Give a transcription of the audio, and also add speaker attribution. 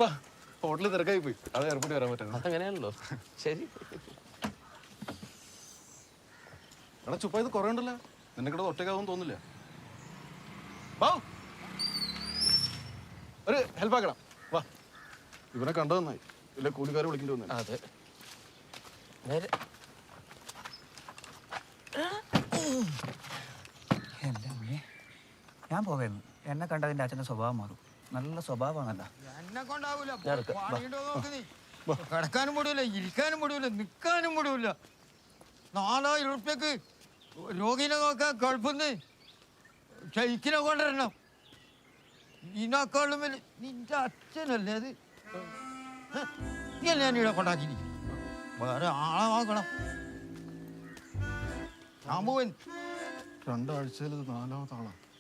Speaker 1: ഹോട്ടലിൽ തിരക്കായി പോയി അത് എയർപോർട്ടിൽ വരാൻ പറ്റുന്നത്.
Speaker 2: അതങ്ങനെയാണല്ലോ. ശരി.
Speaker 1: എടാ ചുപ്പ ഇത് കുറേ ഉണ്ടല്ലോ, നിന്നെ കൂടെ ഒറ്റയ്ക്കാവും തോന്നില്ല. ഒരു ഹെൽപ്പ് ആക്കണം. വാ, ഇവനെ കണ്ടു നന്നായി, ഇല്ല കൂലിക്കാരെ വിളിക്കേണ്ടി വന്നു.
Speaker 2: അതെ നേരെ.
Speaker 3: എൻ്റെ അമ്മേ, ഞാൻ പോകായിരുന്നു. എന്നെ കണ്ടതിൻ്റെ അച്ഛൻ്റെ സ്വഭാവം മാറും. നല്ല സ്വഭാവമാണല്ലോ.
Speaker 4: എന്നെ കൊണ്ടാവൂല. കിടക്കാനും മുടിയില്ല, ഇരിക്കാനും മുടിയില്ല, നിൽക്കാനും മുടിയില്ല. 4000 ഉറുപ്പ്യക്ക് രോഗിനെ നോക്കാൻ ഗൾഫിന്ന് ഷെയ്ക്കിനെ കൊണ്ടുവരണം. ഇതിനേക്കാളും വലിയ നിന്റെ അച്ഛനല്ലേ അത്? നീയല്ലേ ഞാനിവിടെ കൊണ്ടാക്കി? വേറെ ആളെ നോക്കണം. ഞാൻ പോവാൻ
Speaker 1: 2 ആഴ്ചയിൽ ഇത് 4ാമത്തെ ആളാ.